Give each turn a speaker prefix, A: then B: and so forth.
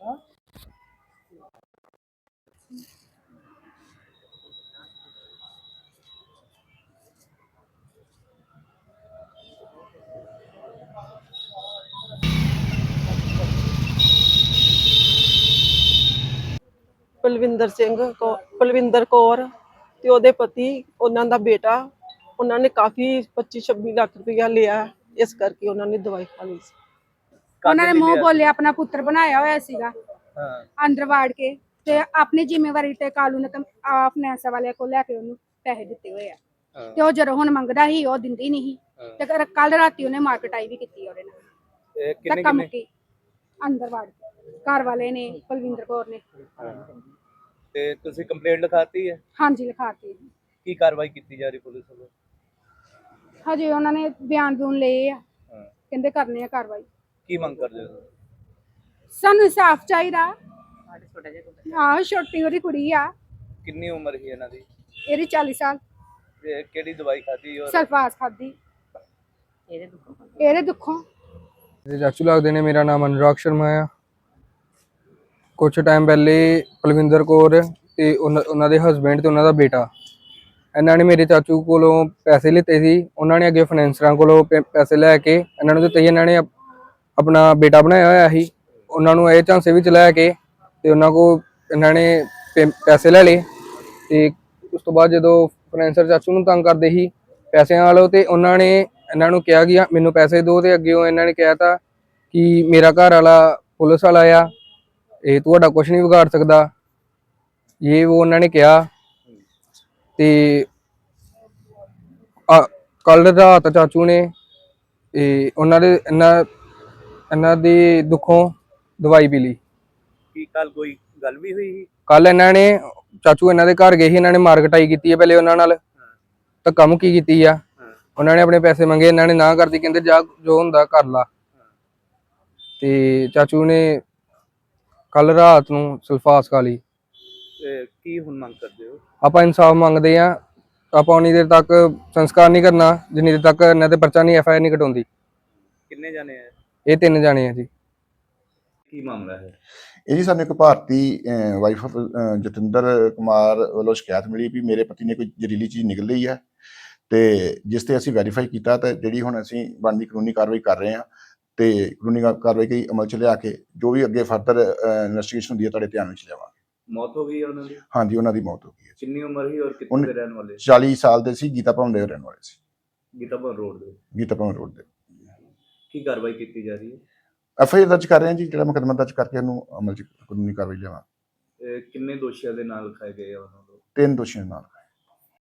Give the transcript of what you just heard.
A: ਪਲਵਿੰਦਰ ਕੌਰ ਤੇ ਉਹਦੇ ਪਤੀ, ਉਹਨਾਂ ਦਾ ਬੇਟਾ, ਉਹਨਾਂ ਨੇ ਕਾਫੀ 25-26 ਲੱਖ ਰੁਪਇਆ ਲਿਆ। ਇਸ ਕਰਕੇ ਉਹਨਾਂ ਨੇ ਦਵਾਈ ਖਾ ਲਈ ਸੀ।
B: ਉਹਨਾਂ ਨੇ ਮੂੰਹ ਬੋਲੇ ਆਪਣਾ ਪੁੱਤਰ ਬਣਾਇਆ ਹੋਇਆ ਸੀਗਾ, ਅੰਦਰ ਵਾੜ ਕੇ ਤੇ ਆਪਣੀ ਜ਼ਿੰਮੇਵਾਰੀ ਤੇ ਕਾਲੂ ਨੇ ਫਾਈਨੈਂਸ ਵਾਲਿਆਂ ਕੋਲ ਲੈ ਕੇ ਉਹਨੂੰ ਪੈਸੇ ਦਿੱਤੇ ਹੋਏ ਆ। ਤੇ ਉਹ ਜਦੋਂ ਹੁਣ ਮੰਗਦਾ ਸੀ ਉਹ ਦਿੰਦੀ ਨਹੀਂ ਤੇ ਕੱਲ ਰਾਤੀ ਉਹਨੇ ਮਾਰਕਟਾਈ ਵੀ ਕੀਤੀ ਉਹਦੇ ਨਾਲ। ਧੱਕਾ ਮੁੱਕੀ ਅੰਦਰ ਵਾੜ ਕੇ ਘਰ ਵਾਲੇ ਨੇ, ਪਲਵਿੰਦਰ ਕੌਰ ਨੇ।
C: ਤੇ ਤੁਸੀਂ ਕੰਪਲੇਂਟ ਲਿਖਾਤੀ ਹੈ?
B: ਹਾਂਜੀ ਲਿਖਾਤੀ।
C: ਕੀ ਕਾਰਵਾਈ ਕੀਤੀ ਜਾ ਰਹੀ ਪੁਲਿਸ ਵੱਲੋਂ?
B: ਹਜੇ ਉਹਨਾਂ ਨੇ ਬਿਆਨ ਬੂਨ ਲਏ ਆ, ਕਹਿੰਦੇ ਕਰਨੇ ਆ ਕਾਰਵਾਈ।
C: ਕੀ ਮੰਗ ਕਰਦੇ ਹੋ?
B: ਸਾਨੂੰ ਇਨਸਾਫ ਚਾਹੀਦਾ। ਆਹ ਛੋਟੀ ਉਹਦੀ ਕੁੜੀ ਆ।
C: ਕਿੰਨੀ ਉਮਰ ਸੀ ਇਹਨਾਂ ਦੀ?
B: ਇਹਦੀ 40 ਸਾਲ।
C: ਤੇ ਕਿਹੜੀ ਦਵਾਈ ਖਾਧੀ? ਔਰ
B: ਸਲਫਾਸ ਖਾਧੀ ਇਹਦੇ ਦੁੱਖੋਂ।
D: ਚਾਚੂ ਲੱਗਦੇ ਨੇ। ਮੇਰਾ ਨਾਮ ਅਨੁਰਾਗ ਸ਼ਰਮਾ ਆ। ਕੁਛ ਟਾਈਮ ਪਹਿਲੇ ਪਲਵਿੰਦਰ ਕੌਰ ਤੇ ਉਹਨਾਂ ਦੇ ਹਸਬੈਂਡ ਤੇ ਉਹਨਾਂ ਦਾ ਬੇਟਾ, ਇਹਨਾਂ ਨੇ ਮੇਰੇ ਚਾਚੂ ਕੋਲੋਂ ਪੈਸੇ ਲਿੱਤੇ ਸੀ। ਉਹਨਾਂ ਨੇ ਅੱਗੇ ਫਾਈਨੈਂਸਰਾਂ ਕੋਲੋਂ ਪੈਸੇ ਲੈ ਕੇ ਇਹਨਾਂ ਨੂੰ ਦਿੱਤੇ ਸੀ। ਇਹਨਾਂ ਨੇ ਆਪਣਾ ਬੇਟਾ ਬਣਾਇਆ ਹੋਇਆ ਸੀ। ਉਹਨਾਂ ਨੂੰ ਇਹ ਝਾਂਸੇ ਵਿੱਚ ਲੈ ਕੇ ਤੇ ਉਹਨਾਂ ਕੋਲ ਇਹਨਾਂ ਨੇ ਪੈਸੇ ਲੈ ਲਏ। ਤੇ ਉਸ ਤੋਂ ਬਾਅਦ ਜਦੋਂ ਫਾਈਨੈਂਸਰ ਚਾਚੂ ਨੂੰ ਤੰਗ ਕਰਦੇ ਸੀ ਪੈਸਿਆਂ ਵਾਲੋ, ਤੇ ਉਹਨਾਂ ਨੇ ਇਹਨਾਂ ਨੂੰ ਕਿਹਾ ਕਿ ਮੈਨੂੰ ਪੈਸੇ ਦਿਓ। ਤੇ ਅੱਗੇ ਇਹਨਾਂ ਨੇ ਕਿਹਾ ਤਾ ਕਿ ਮੇਰਾ ਘਰ ਵਾਲਾ ਪੁਲਿਸ ਵਾਲਾ ਆ, ਇਹ ਤੁਹਾਡਾ ਕੁਛ ਨਹੀਂ ਵਿਗਾੜ ਸਕਦਾ, ਇਹ ਉਹ ਉਹਨਾਂ ਨੇ ਕਿਹਾ। ਤੇ ਕੱਲ ਰਾਤ ਚਾਚੂ ਨੇ ਇਹਨਾਂ ਦੇ ਦੁੱਖੋਂ ਦਵਾਈ ਪੀ ਲਈ।
C: ਕੀ ਕੱਲ ਕੋਈ ਗੱਲ ਵੀ ਹੋਈ ਸੀ?
D: ਕੱਲ ਇਹਨਾਂ ਨੇ ਚਾਚੂ ਇਹਨਾਂ ਦੇ ਘਰ ਗਏ ਸੀ। ਇਹਨਾਂ ਨੇ ਮਾਰਕਟਾਈ ਕੀਤੀ ਹੈ ਪਹਿਲੇ ਉਹਨਾਂ ਨਾਲ, ਧੱਕਾ ਮੁੱਕੀ ਕੀਤੀ ਆ। ਉਹਨਾਂ ਨੇ ਆਪਣੇ ਪੈਸੇ ਮੰਗੇ, ਇਹਨਾਂ ਨੇ ਨਾ ਕਰਦੀ, ਕਹਿੰਦੇ ਜਾ ਜੋ ਹੁੰਦਾ ਕਰ ਲਾ। ਤੇ ਚਾਚੂ ਨੇ ਕੱਲ ਰਾਤ ਨੂੰ ਸਲਫਾਸ ਖਾ ਲਈ।
C: ਕੀ ਹੁਣ ਮੰਗ ਕਰਦੇ ਹੋ?
D: ਆਪਾਂ ਇਨਸਾਫ ਮੰਗਦੇ ਆ। ਆਪਾਂ ਉਨੀ ਦੇਰ ਤੱਕ ਸੰਸਕਾਰ ਨਹੀਂ ਕਰਨਾ ਜਿੰਨੀ ਦੇਰ ਤੱਕ ਇਹਨਾਂ ਤੇ ਪਰਚਾ ਨਹੀਂ, FIR ਨਹੀਂ ਕਟਾਉਂਦੀ।
C: ਕਿੰਨੇ ਜਾਣੇ ਆ?
D: ਇਹ 3 ਜਾਣੇ ਆ ਜੀ।
C: ਕੀ ਮਾਮਲਾ ਹੈ
E: ਇਹ ਜੀ? ਸਾਨੂੰ ਇੱਕ ਭਾਰਤੀ ਵਾਈਫ ਆਫ ਜਤਿੰਦਰ ਕੁਮਾਰ ਵੱਲੋਂ ਸ਼ਿਕਾਇਤ ਮਿਲੀ ਵੀ ਮੇਰੇ ਪਤੀ ਨੇ ਕੋਈ ਜ਼ਹਿਰੀਲੀ ਚੀਜ਼ ਨਿਕਲ ਲਈ ਹੈ, ਤੇ ਜਿਸ ਤੇ ਅਸੀਂ ਵੈਰੀਫਾਈ ਕੀਤਾ ਤੇ ਜਿਹੜੀ ਹੁਣ ਅਸੀਂ ਬਣਦੀ ਕਾਨੂੰਨੀ ਕਾਰਵਾਈ ਕਰ ਰਹੇ ਹਾਂ। ਤੇ ਕਾਨੂੰਨੀ ਕਾਰਵਾਈ ਕੀ ਅਮਲ ਚ ਲਿਆ ਕੇ ਜੋ ਵੀ ਅੱਗੇ ਫਰਦਰ ਇਨਵੈਸਟੀਗੇਸ਼ਨ ਹੁੰਦੀ ਹੈ ਤੁਹਾਡੇ ਧਿਆਨ ਵਿੱਚ ਲਿਆਵਾਂਗੇ।
C: ਮੌਤ ਹੋ ਗਈ ਹੈ ਉਹਨਾਂ ਦੀ?
E: ਹਾਂਜੀ, ਉਹਨਾਂ ਦੀ ਮੌਤ ਹੋ ਗਈ ਹੈ।
C: ਕਿੰਨੀ ਉਮਰ ਸੀ ਔਰ ਕਿੱਥੇ ਦੇ ਰਹਿਣ ਵਾਲੇ?
E: 40 ਸਾਲ ਦੇ ਸੀ, ਗੀਤਾ ਭਵਨ ਦੇ ਰਹਿਣ ਵਾਲੇ ਸੀ।
C: ਗੀਤਾ ਭਵਨ ਰੋਡ ਦੇ?
E: ਗੀਤਾ ਭਵਨ ਰੋਡ ਦੇ।
C: ਕੀ ਕਾਰਵਾਈ ਕੀਤੀ ਜਾ ਰਹੀ ਹੈ?
E: FIR ਦਰਜ ਕਰ ਰਹੇ ਹਾਂ ਜੀ, ਜਿਹੜਾ ਮੁਕੱਦਮਾ ਦਰਜ ਕਰਕੇ ਇਹਨੂੰ ਅਮਲ ਚ ਕਾਨੂੰਨੀ ਕਾਰਵਾਈ ਲਿਆਵਾਂ।
C: ਕਿੰਨੇ ਦੋਸ਼ੀਆਂ ਦੇ ਨਾਲ ਲਿਖਾਏ ਗਏ ਆ ਉਹਨਾਂ ਨੂੰ?
E: 3 ਦੋਸ਼ੀਆਂ ਨਾਲ।